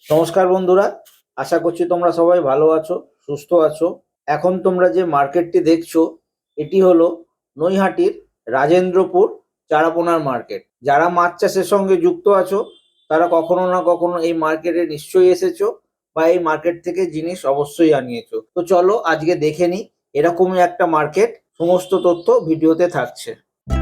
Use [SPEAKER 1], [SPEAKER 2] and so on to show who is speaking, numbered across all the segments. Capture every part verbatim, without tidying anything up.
[SPEAKER 1] নমস্কার বন্ধুরা, আশা করছি তোমরা সবাই ভালো আছো, সুস্থ আছো। এখন তোমরা যে মার্কেটটি দেখছো এটি হলো নৈহাটির রাজেন্দ্রপুর চারাপোনার মার্কেট। যারা মাছ চাষের সঙ্গে যুক্ত আছো তারা কখনো না কখনো এই মার্কেটে নিশ্চয়ই এসেছো বা এই মার্কেট থেকে জিনিস অবশ্যই আনিয়েছো। তো চলো আজকে দেখে নিই এরকমই একটা মার্কেট, সমস্ত তথ্য ভিডিওতে থাকছে।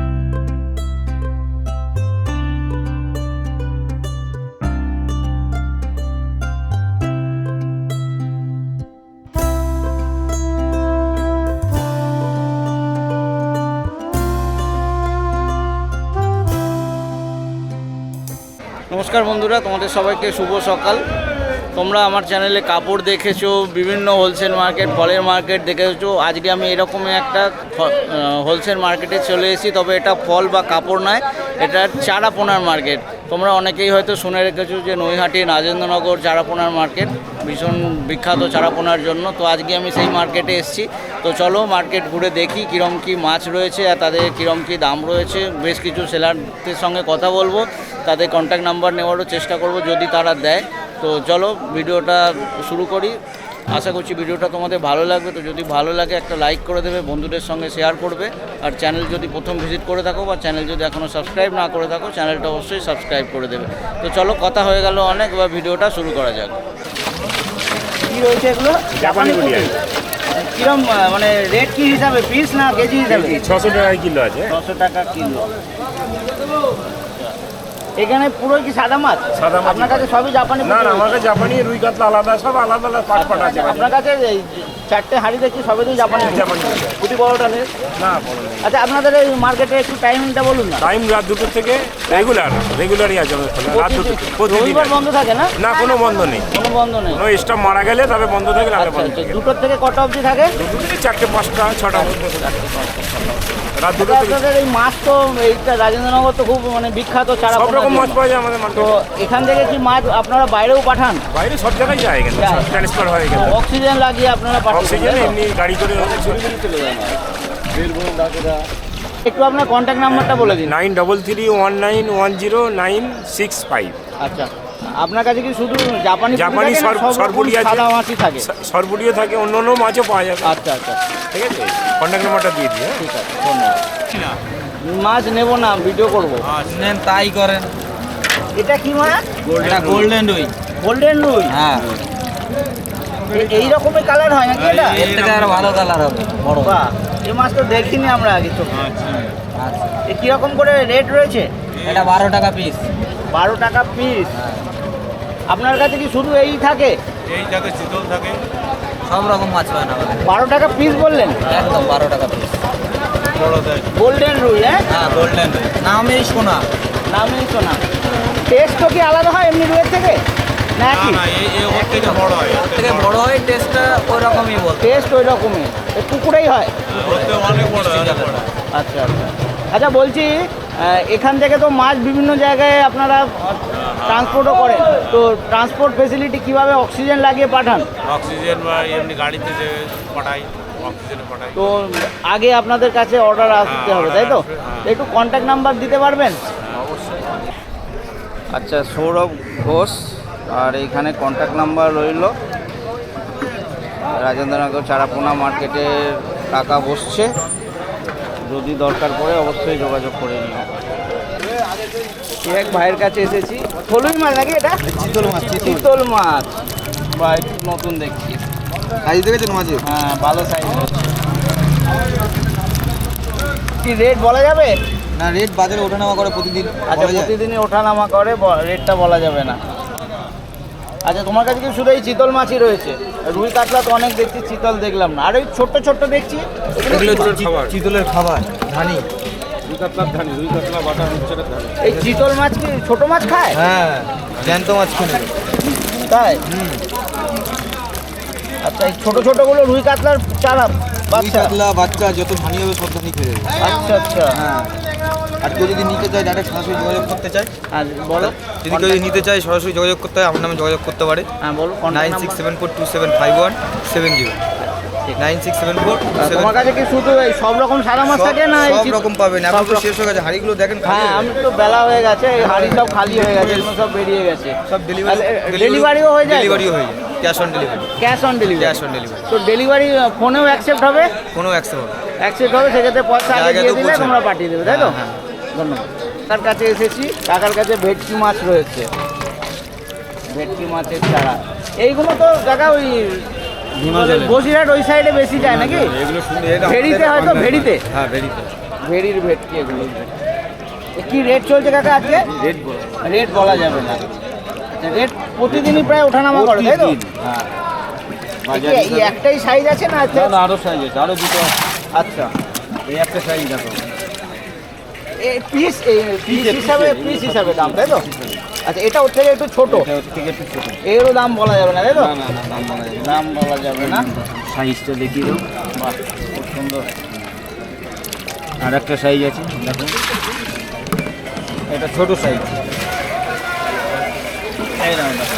[SPEAKER 1] নমস্কার বন্ধুরা, তোমাদের সবাইকে শুভ সকাল। তোমরা আমার চ্যানেলে কাপড় দেখেছো, বিভিন্ন হোলসেল মার্কেট, ফলের মার্কেট দেখেছো। আজকে আমি এরকমই একটা হোলসেল মার্কেটে চলে এসেছি, তবে এটা ফল বা কাপড় নয়, এটা চারাপোনার মার্কেট। তোমরা অনেকেই হয়তো শুনে রেখেছো যে নৈহাটি রাজেন্দ্রনগর চারাপোনার মার্কেট ভীষণ বিখ্যাত চারাপোনার জন্য। তো আজকে আমি সেই মার্কেটে এসেছি। তো চলো মার্কেট ঘুরে দেখি কীরম কী মাছ রয়েছে আর তাদের কীরম কী দাম রয়েছে। বেশ কিছু সেলারদের সঙ্গে কথা বলবো, তাদের কন্ট্যাক্ট নাম্বার নেওয়ারও চেষ্টা করব যদি তারা দেয়। তো চলো ভিডিওটা শুরু করি। আশা করছি ভিডিওটা তোমাদের ভালো লাগবে। তো যদি ভালো লাগে একটা লাইক করে দেবে, বন্ধুদের সঙ্গে শেয়ার করবে। আর চ্যানেল যদি প্রথম ভিজিট করে থাকো বা চ্যানেল যদি এখনও সাবস্ক্রাইব না করে থাকো, চ্যানেলটা অবশ্যই সাবস্ক্রাইব করে দেবে। তো চলো কথা হয়ে গেল অনেক, বা ভিডিওটা শুরু করা যাক। কী রয়েছে এগুলো?
[SPEAKER 2] জাপানি পুঁটি।
[SPEAKER 1] কিরম মানে রেট কি হিসাবে, পিস না কেজি হিসাবে?
[SPEAKER 2] ছশো টাকা কিলো আছে।
[SPEAKER 1] ছশো টাকা কিলো। এখানে পুরো কি সাদা মাছ?
[SPEAKER 2] সাদা মাছ।
[SPEAKER 1] আপনার কাছে সবই জাপানি?
[SPEAKER 2] না না, আমার কাছে জাপানি, রুই কাতলা আলাদা, সব আলাদা আলাদা পাট পাট আছে।
[SPEAKER 1] আপনার কাছে এই চারটে হাঁড়ি দেখছি সবই তো জাপানি?
[SPEAKER 2] জাপানি
[SPEAKER 1] পুঁটি বড়টা নেই?
[SPEAKER 2] না বলো না।
[SPEAKER 1] আচ্ছা, আপনাদের এই মার্কেটে একটু টাইমটা বলুন না।
[SPEAKER 2] টাইম রাত দুটোর থেকে রেগুলার রেগুলারই আছে আমাদের খোলা, রাত দুটো থেকে প্রতিদিন।
[SPEAKER 1] রবিবার বন্ধ থাকে না?
[SPEAKER 2] না, কোনো বন্ধ নেই।
[SPEAKER 1] কোনো বন্ধ নেই?
[SPEAKER 2] কোনো স্টাফ মারা গেলে তবে বন্ধ থাকে, না
[SPEAKER 1] আচ্ছা
[SPEAKER 2] বন্ধ
[SPEAKER 1] আচ্ছা,
[SPEAKER 2] থাকে।
[SPEAKER 1] দুটোর থেকে কটা অবধি থাকে?
[SPEAKER 2] দুটো থেকে চারটে পাঁচটা ছটা মধ্যে রাত দুটো
[SPEAKER 1] আচ্ছা,
[SPEAKER 2] থেকে।
[SPEAKER 1] আপনাদের এই মাছ তো এইটা রাজেন্দ্রনগর তো খুব মানে বিখ্যাত চারা।
[SPEAKER 2] সব রকম মাছ পাওয়া যায় আমাদের
[SPEAKER 1] তো
[SPEAKER 2] মার্কেটে।
[SPEAKER 1] এখান থেকে কি মাছ আপনারা বাইরেও পাঠান?
[SPEAKER 2] বাইরে সব জায়গায় যায়, এখানে
[SPEAKER 1] যায়।
[SPEAKER 2] ট্রান্সফার হয়
[SPEAKER 1] তো
[SPEAKER 2] এখানে।
[SPEAKER 1] অক্সিজেন লাগিয়ে আপনারা পাঠান?
[SPEAKER 2] অক্সিজেন এমনি গাড়ি করে
[SPEAKER 1] চলে যায়। একটু আপনার কন্ট্যাক্ট নাম্বারটা বলে দিন।
[SPEAKER 2] Nine double three one nine one zero nine six five.
[SPEAKER 1] আচ্ছা, আপনার কাছে কি শুধু জাপানি
[SPEAKER 2] জাপানি সরবুড়ি আছে,
[SPEAKER 1] সাদা মাছই থাকে?
[SPEAKER 2] সরবুড়িও থাকে, অন্য অন্য মাছও পাওয়া যাবে।
[SPEAKER 1] আচ্ছা আচ্ছা,
[SPEAKER 2] ঠিক আছে, কন্ট্যাক্ট নাম্বারটা দিয়ে দিই।
[SPEAKER 1] ঠিক আছে, ধন্যবাদ। মাছ নেব না, ভিডিও করবো।
[SPEAKER 3] নেন তাই করেন।
[SPEAKER 1] এটা কি মাছ?
[SPEAKER 3] এটা গোল্ডেন রুই।
[SPEAKER 1] গোল্ডেন রুই?
[SPEAKER 3] হ্যাঁ,
[SPEAKER 1] এ- এই রকমের কালার হয় নাকি এটা?
[SPEAKER 3] এর থেকে আরো ভালো কালার হবে, বড়।
[SPEAKER 1] বাহ, এই মাছ তো দেখিনি আমরা আগে চোখে।
[SPEAKER 3] আচ্ছা,
[SPEAKER 1] এ কিরকম করে রেট রয়েছে?
[SPEAKER 3] এটা বারো টাকা পিস।
[SPEAKER 1] বারো টাকা পিস। আপনার কাছে কি শুধু এই থাকে?
[SPEAKER 4] এই জায়গায় চিতল থাকে।
[SPEAKER 3] সব রকম মাছ পায় না আমাদের।
[SPEAKER 1] বারো টাকা পিস বললেন?
[SPEAKER 3] একদম বারো টাকা পিস।
[SPEAKER 4] বড় দেয়।
[SPEAKER 1] গোল্ডেন রুই? হ্যাঁ,
[SPEAKER 3] হ্যাঁ, গোল্ডেন রুই, নামেই সোনা।
[SPEAKER 1] নামই তো না। টেস্ট তো কি আলাদা হয় এমনি রুইয়ের থেকে
[SPEAKER 4] না
[SPEAKER 1] নাকি?
[SPEAKER 4] না, এই এই ওর থেকে বড় হয়।
[SPEAKER 3] ওর থেকে বড় হয়, টেস্টটা ওই রকমই বলতে।
[SPEAKER 1] টেস্ট ওই রকমই, এ পুকুরেই হয়?
[SPEAKER 4] ওর থেকে অনেক বড় হয়, অনেক বড়।
[SPEAKER 1] আচ্ছা আচ্ছা। আচ্ছা বলছি, আহ, এখান থেকে তো মাছ বিভিন্ন জায়গায় আপনারা ট্রান্সপোর্টও করেন, তো ট্রান্সপোর্ট ফেসিলিটি কিভাবে, অক্সিজেন লাগিয়ে পাঠান?
[SPEAKER 4] অক্সিজেন বা এমনি গাড়িতে যে পাঠাই, অক্সিজেনে পাঠাই।
[SPEAKER 1] তো আগে আপনাদের কাছে অর্ডার আসতে হবে, তাই তো?
[SPEAKER 4] হ্যাঁ।
[SPEAKER 1] একটু কন্ট্যাক্ট নাম্বার দিতে পারবেন? আচ্ছা, সৌরভ ঘোষ, আর এইখানে কন্ট্যাক্ট নাম্বার রইল। রাজেন্দ্রনগর চারাপোনা মার্কেটের টাকা বসছে, যদি দরকার পড়ে অবশ্যই যোগাযোগ করে নিও। এক ভাইয়ের কাছে এসেছি। থলুই মাছ নাকি এটা?
[SPEAKER 3] চিতল মাছ।
[SPEAKER 1] চিতল মাছ, বা একটু নতুন দেখছি।
[SPEAKER 3] সাইজ দেখেছেন মাছের?
[SPEAKER 1] হ্যাঁ, ভালো সাইজ। কি রেট বলা যাবে?
[SPEAKER 3] না, রেট বাজারে ওঠানামা করে প্রতিদিন।
[SPEAKER 1] আচ্ছা, প্রতিদিনই ওঠানামা করে, ব- রেটটা বলা যাবে না। আচ্ছা, তোমার কাছে কি শুধু এই চিতল মাছই রয়েছে? রুই কাতলা তো অনেক দেখছি, চিতল দেখলাম না। আর ওই ছোট্ট ছোট্ট দেখছি,
[SPEAKER 3] চিতলের খাবার ধানি।
[SPEAKER 1] এই চিতল মাছ কি ছোট মাছ খায়?
[SPEAKER 3] হ্যাঁ, জ্যান্ত মাছ খেলে।
[SPEAKER 1] তাই? আচ্ছা, এই ছোট ছোটগুলো রুই কাতলার চারা বাচ্চা?
[SPEAKER 3] কাতলা বাচ্চা যত ধানি হবে সব ধানি খেয়ে দেবে।
[SPEAKER 1] আচ্ছা আচ্ছা,
[SPEAKER 3] হ্যাঁ, আর কেউ যদি নিতে চায় ডাইরেক্ট সরাসরি যোগাযোগ করতে চায়,
[SPEAKER 1] আর বলো।
[SPEAKER 3] যদি কেউ যদি নিতে চায় সরাসরি যোগাযোগ করতে হয়, আমার নামে যোগাযোগ করতে পারে।
[SPEAKER 1] হ্যাঁ বলো,
[SPEAKER 3] nine six seven four two seven five one seven zero. Nine six seven four
[SPEAKER 1] তোমার কাছে কি শুধু এই সব রকম সাদা মাছ থাকে না এই
[SPEAKER 3] সব
[SPEAKER 1] চিত-
[SPEAKER 3] রকম পাবেন, এখন
[SPEAKER 1] সব
[SPEAKER 3] তো
[SPEAKER 1] রকম?
[SPEAKER 3] শেষ হয়ে গেছে, হাড়িগুলো দেখেন খালি
[SPEAKER 1] হ্যাঁ
[SPEAKER 3] হয়ে
[SPEAKER 1] আমি তো বেলা হয়ে গেছে, এই হাঁড়ি সব খালি হয়ে গেছে, এগুলো সব বেরিয়ে গেছে।
[SPEAKER 3] গেছে। সব ডেলিভারি
[SPEAKER 1] ডেলিভারিও হয়ে যায়?
[SPEAKER 3] ডেলিভারিও হয়ে যায়, cash on delivery.
[SPEAKER 1] Cash on delivery?
[SPEAKER 3] Cash on delivery,
[SPEAKER 1] তো ডেলিভারি ফোনেও অ্যাকসেপ্ট হবে?
[SPEAKER 3] কোনো অ্যাক্সেপ্ট হবে।
[SPEAKER 1] অ্যাকসেপ্ট হবে, সেক্ষেত্রে পয়সা আগে
[SPEAKER 3] জায়গা
[SPEAKER 1] দিয়ে
[SPEAKER 3] তো
[SPEAKER 1] দিলে
[SPEAKER 3] পৌঁছে।
[SPEAKER 1] তোমরা পাঠিয়ে দেবে, তাই তো?
[SPEAKER 3] হ্যাঁ,
[SPEAKER 1] ধন্যবাদ। তার কাছে এসেছি, কাকার কাছে ভেটকি মাছ রয়েছে, ভেটকি মাছের চারা। এইগুলো তো কাকা ওই বসিরহাট ওই সাইডে বেশি যায় নাকি?
[SPEAKER 3] এগুলো শুনলে
[SPEAKER 1] ভেড়িতে হয়তো, ভেড়িতে?
[SPEAKER 3] হ্যাঁ ভেড়িতে।
[SPEAKER 1] ভেড়ির ভেটকি এগুলো। এ কি রেট চলছে কাকা আজকে?
[SPEAKER 3] রেট বলো।
[SPEAKER 1] রেট বলা যাবে না, রেট প্রতিদিনই প্রায় ওঠানামা করে, তাই তো?
[SPEAKER 3] হ্যাঁ,
[SPEAKER 1] এ কি এই একটাই সাইজ আছে না আছে?
[SPEAKER 3] না আরো সাইজ আছে, আরো দুটো।
[SPEAKER 1] আচ্ছা,
[SPEAKER 3] এই একটা সাইজ দেখো।
[SPEAKER 1] এই পিস এই পিস
[SPEAKER 3] পিসে,
[SPEAKER 1] হিসাবে
[SPEAKER 3] পিসে,
[SPEAKER 1] পিস হিসাবে দাম, তাই তো? আচ্ছা, এটা ওর থেকে একটু ছোট,
[SPEAKER 3] এটা ওর থেকে একটু ছোট।
[SPEAKER 1] এরও দাম বলা যাবে না, তাই তো?
[SPEAKER 3] না না না, দাম বলা যাবে না।
[SPEAKER 1] দাম বলা যাবে না।
[SPEAKER 3] সাইজটা দেখিয়ে দাও।
[SPEAKER 1] বাহ, খুব সুন্দর।
[SPEAKER 3] আর একটা সাইজ আছে দেখো, এটা ছোট সাইজ।
[SPEAKER 1] এই নাও দেখো।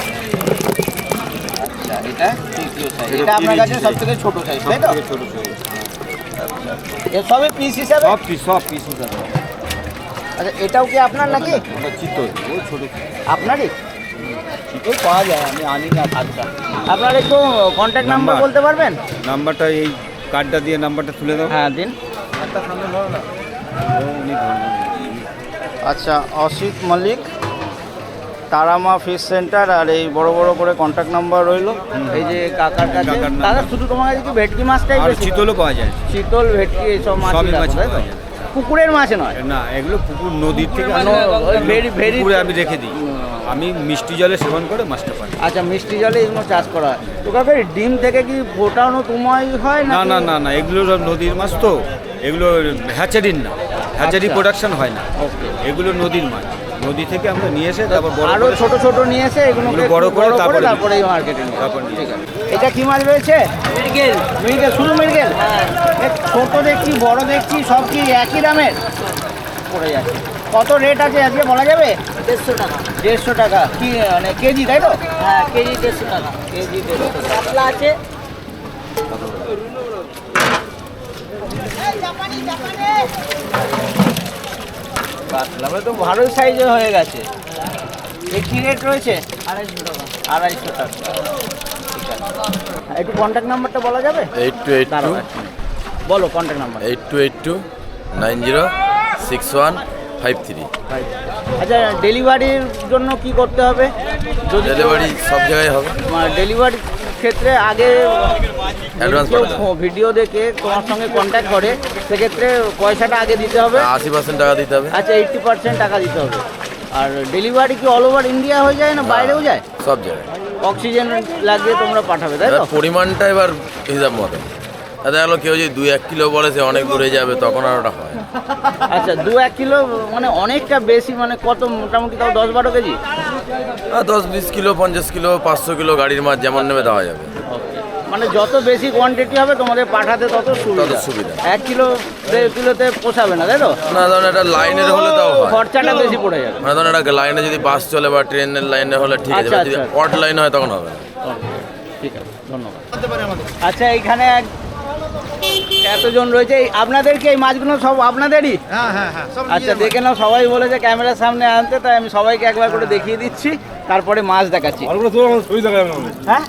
[SPEAKER 1] আচ্ছা, এটা তৃতীয় সাইজ।
[SPEAKER 3] এটা
[SPEAKER 1] এটা আপনার কাছে
[SPEAKER 3] তিরিশ
[SPEAKER 1] সব থেকে ছোট সাইজ, তাই তো?
[SPEAKER 3] ছোট সাইজ।
[SPEAKER 1] এ সবই পিস হিসাবে?
[SPEAKER 3] সব পিস, সব পিস আছে।
[SPEAKER 1] আচ্ছা, এটাও কি আপনার নাকি?
[SPEAKER 3] ওটা চিতল, ও ছোট।
[SPEAKER 1] আপনারই? চিতল পাওয়া যায়, আমি আনি না। আচ্ছা, আপনার একটু কন্ট্যাক্ট নাম্বার
[SPEAKER 3] নাম্বার?
[SPEAKER 1] বলতে পারবেন?
[SPEAKER 3] নাম্বারটা এই কার্ডটা দিয়ে নাম্বারটা তুলে দাও।
[SPEAKER 1] হ্যাঁ দিন।
[SPEAKER 3] একটা সামনে ধরো না। ও উনি ধরবেন।
[SPEAKER 1] আচ্ছা, অসিত মল্লিক, তারামা ফিশ সেন্টার, আর এই বড় বড় করে কন্ট্যাক্ট নাম্বার রইলো। এই যে কাকার কাছে।
[SPEAKER 3] কাকার নাম্বার।
[SPEAKER 1] দাদা শুধু তোমার কাছে কি ভেটকি মাছটাই
[SPEAKER 3] আর
[SPEAKER 1] বেশি?
[SPEAKER 3] চিতলও পাওয়া যায়।
[SPEAKER 1] চিতল, ভেটকি এইসব মাছ
[SPEAKER 3] সবই মাছ
[SPEAKER 1] তাই তো?
[SPEAKER 3] পাওয়া যায়।
[SPEAKER 1] পুকুরের মাছ নয়?
[SPEAKER 3] না, এগুলো পুকুর নদীর থেকে
[SPEAKER 1] মানে ওই ভেরি- ভেরি-
[SPEAKER 3] পুকুরে আমি রেখে দিই। আমি মিষ্টি জলে সেবন করে মাছটা পাই।
[SPEAKER 1] আচ্ছা, মিষ্টি জলে এগুলো চাষ করা হয়। তো কাকা এই ডিম থেকে কি ফোটানো তোমায় হয়
[SPEAKER 3] না
[SPEAKER 1] নাকি?
[SPEAKER 3] না না না, এগুলো সব নদীর মাছ তো, এগুলো হ্যাচারির না, হ্যাচারি
[SPEAKER 1] আচ্ছা।
[SPEAKER 3] প্রোডাকশন হয় না।
[SPEAKER 1] ওকে।
[SPEAKER 3] এগুলো নদীর মাছ, নদী থেকে আমরা নিয়ে এসে তারপর বড়
[SPEAKER 1] আরো
[SPEAKER 3] করে-
[SPEAKER 1] ছোট ছোট নিয়ে এসে এগুলোকে
[SPEAKER 3] এগুলো বড়
[SPEAKER 1] একটু
[SPEAKER 3] করে তারপরে দিই।
[SPEAKER 1] তারপরে এই মার্কেটে নিয়ে
[SPEAKER 3] তারপর নিই।
[SPEAKER 1] ঠিক আছে। এটা কি মাছ রয়েছে? মৃগেল। মৃগেল, শুধু মৃগেল? এ ছোট দেখছি, বড় দেখছি, সব কি একই দামের পড়ে যাচ্ছে? কত রেট আছে আজকে বলা যাবে?
[SPEAKER 5] দেড়শো টাকা।
[SPEAKER 1] দেড়শো টাকা কি মানে কেজি, তাই তো?
[SPEAKER 5] হ্যাঁ, কেজি দেড়শো টাকা।
[SPEAKER 1] কেজি দেড়শো টাকা।
[SPEAKER 5] কাতলা আছে।
[SPEAKER 1] কাতলা মানে তো ভালোই সাইজে হয়ে গেছে। এ কি রেট রয়েছে?
[SPEAKER 5] আড়াইশো টাকা।
[SPEAKER 1] আড়াইশো টাকা। ঠিক আছে। একটু কন্ট্যাক্ট নাম্বারটা বলা যাবে?
[SPEAKER 6] এইট টু এইট টু
[SPEAKER 1] দাঁড়াও এক মিনিট। বলো contact number.
[SPEAKER 6] Eight two eight two nine zero six one five three.
[SPEAKER 1] আচ্ছা, ডেলিভারির জন্য কি করতে হবে? যদি
[SPEAKER 6] ডেলিভারি সব জায়গায় হবে।
[SPEAKER 1] ডেলিভারি ক্ষেত্রে আগে
[SPEAKER 6] Advance
[SPEAKER 1] কেউ
[SPEAKER 6] পাঠাতে হবে।
[SPEAKER 1] ভিডিও দেখে তোমার সঙ্গে কন্ট্যাক্ট করে, সেক্ষেত্রে পয়সাটা আগে দিতে হবে।
[SPEAKER 6] আশি পার্সেন্ট টাকা দিতে হবে
[SPEAKER 1] আচ্ছা, এইটটি পার্সেন্ট টাকা দিতে হবে। আর ডেলিভারি কি অল ওভার ইন্ডিয়া হয়ে যায় না বাইরেও যায়?
[SPEAKER 6] সব জায়গায়।
[SPEAKER 1] অক্সিজেন লাগিয়ে তোমরা পাঠাবে, তাই
[SPEAKER 6] এবার
[SPEAKER 1] তো?
[SPEAKER 6] পরিমাণটা এবার হিসাব মতো। দেখা গেলো কেউ যদি দুই এক কিলো বলে সে অনেক দূরে যাবে, তখন আর ওটা হয় না।
[SPEAKER 1] আচ্ছা, দু এক কিলো মানে অনেকটা বেশি, মানে কত মোটামুটি তাও দশ বারো কেজি?
[SPEAKER 6] আর দশ বিশ কিলো পঞ্চাশ কিলো পাঁচশো কিলো গাড়ির মাছ যেমন নেবে দেওয়া যাবে।
[SPEAKER 1] মানে যত বেশি কোয়ান্টিটি হবে তোমাদের পাঠাতে তত সুবিধা।
[SPEAKER 6] তত সুবিধা।
[SPEAKER 1] এক কিলো দেড় কিলোতে পোষাবে না, তাই তো?
[SPEAKER 6] না ধরুন একটা লাইনের হলে তাও হয়।
[SPEAKER 1] খরচাটা বেশি পড়ে যাবে।
[SPEAKER 6] মানে ধরুন একটা লাইনে যদি বাস চলে বা ট্রেনের লাইনে হলে ঠিক আছে,
[SPEAKER 1] আচ্ছা,
[SPEAKER 6] এবার যদি
[SPEAKER 1] আচ্ছা।
[SPEAKER 6] অড লাইন হয় তখন হবে না।
[SPEAKER 1] ঠিক আছে, ধন্যবাদ। আচ্ছা, এইখানে এক এতজন রয়েছে, এই আপনাদের কি এই মাছগুলো সব আপনাদেরই?
[SPEAKER 3] হ্যাঁ হ্যাঁ হ্যাঁ, সব
[SPEAKER 1] আচ্ছা, দেখে নাও, সবাই বলেছে ক্যামেরার সামনে আনতে, তাই আমি সবাইকে একবার করে দেখিয়ে দিচ্ছি, তারপরে মাছ দেখাচ্ছি। হ্যাঁ,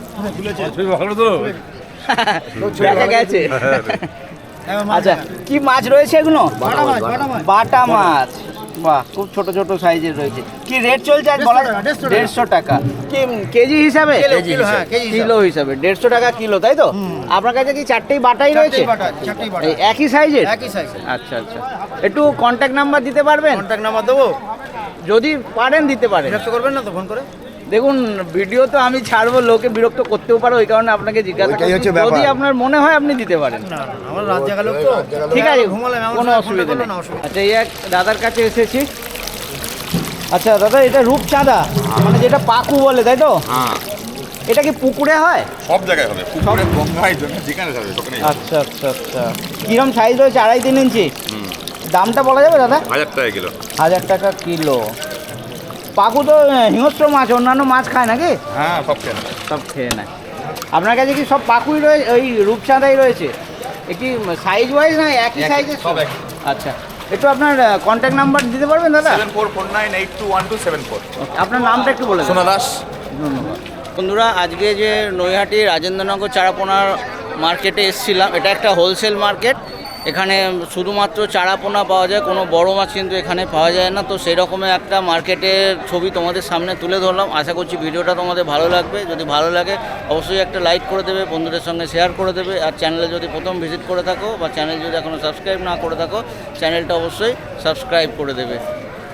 [SPEAKER 1] দেখা গেছে। আচ্ছা, কি মাছ রয়েছে এগুলো? বাটা মাছ। বাহ, খুব ছোট ছোট সাইজের রয়েছে। কি রেট চলছে আজ বলা? দেড়শো টাকা। কি কেজি হিসাবে? কিলো হিসাবে দেড়শো টাকা কিলো, তাই তো? আপনার কাছে কি চারটেই বাটাই রয়েছে? এই একই সাইজের? আচ্ছা আচ্ছা, একটু কন্ট্যাক্ট নাম্বার দিতে পারবেন?
[SPEAKER 3] কন্ট্যাক্ট নাম্বার দেবো,
[SPEAKER 1] যদি পারেন দিতে পারেন।
[SPEAKER 3] বিরক্ত করবেন না তো ফোন করে?
[SPEAKER 1] দেখুন, ভিডিও তো আমি ছাড়বো, লোকে বিরক্ত করতেও পারে, ওই কারণে আপনাকে জিজ্ঞাসা
[SPEAKER 3] ওইটাই
[SPEAKER 1] করছি।
[SPEAKER 3] হচ্ছে ব্যাপার।
[SPEAKER 1] যদি আপনার মনে হয় আপনি দিতে পারেন।
[SPEAKER 3] না না, আমার রাত জাগা লোক তো,
[SPEAKER 1] ঠিক আছে,
[SPEAKER 3] ঘুমালাম, আমার
[SPEAKER 1] কোনো
[SPEAKER 3] সঙ্গে
[SPEAKER 1] অসুবিধা
[SPEAKER 3] contact
[SPEAKER 1] নেই।
[SPEAKER 3] করলে না অসুবিধা।
[SPEAKER 1] আচ্ছা, এই এক দাদার কাছে এসেছি। আচ্ছা দাদা, এটা রূপচাঁদা মানে যেটা পাকু বলে, তাই তো?
[SPEAKER 7] হ্যাঁ,
[SPEAKER 1] এটা কি পুকুরে হয়?
[SPEAKER 7] সব জায়গায় হবে, পুকুরে গঙ্গায় জন্য যেখানে যাবে সেখানে
[SPEAKER 1] আচ্ছা আচ্ছা আচ্ছা, কিরম সাইজ রয়েছে? আড়াই তিন ইঞ্চি। দামটা বলা যাবে দাদা?
[SPEAKER 7] হাজার টাকা কিলো।
[SPEAKER 1] হাজার টাকা কিলো। পাকু তো আহ, হিংস্র মাছ, অন্যান্য মাছ খায় নাকি?
[SPEAKER 7] হ্যাঁ, সব কেনা।
[SPEAKER 1] সব খেয়ে নেয়। আপনার কাছে কি সব পাকুই রয়েছে, ওই রূপচাঁদাই রয়েছে? একটি সাইজ ওয়াইজ না একই সাইজের?
[SPEAKER 7] সব একই।
[SPEAKER 1] আচ্ছা, একটু আপনার কন্ট্যাক্ট নাম্বার দিতে পারবেন দাদা?
[SPEAKER 7] Seven four four nine eight two one two seven four.
[SPEAKER 1] আপনার নামটা একটু বলে দেন।
[SPEAKER 6] সোনা দাস।
[SPEAKER 1] ধন্যবাদ। বন্ধুরা, আজকে যে নৈহাটি রাজেন্দ্রনগর চারাপোনার মার্কেটে এসেছিলাম, এটা একটা হোলসেল মার্কেট। এখানে শুধুমাত্র চারাপোনা পাওয়া যায়, কোনো বড় মাছ কিন্তু এখানে পাওয়া যায় না। তো সেই রকমের একটা মার্কেটের ছবি তোমাদের সামনে তুলে ধরলাম। আশা করছি ভিডিওটা তোমাদের ভালো লাগবে। যদি ভালো লাগে অবশ্যই একটা লাইক করে দেবে, বন্ধুদের সঙ্গে শেয়ার করে দেবে। আর চ্যানেলে যদি প্রথম ভিজিট করে থাকো বা চ্যানেল যদি এখনও সাবস্ক্রাইব না করে থাকো, চ্যানেলটা অবশ্যই সাবস্ক্রাইব করে দেবে।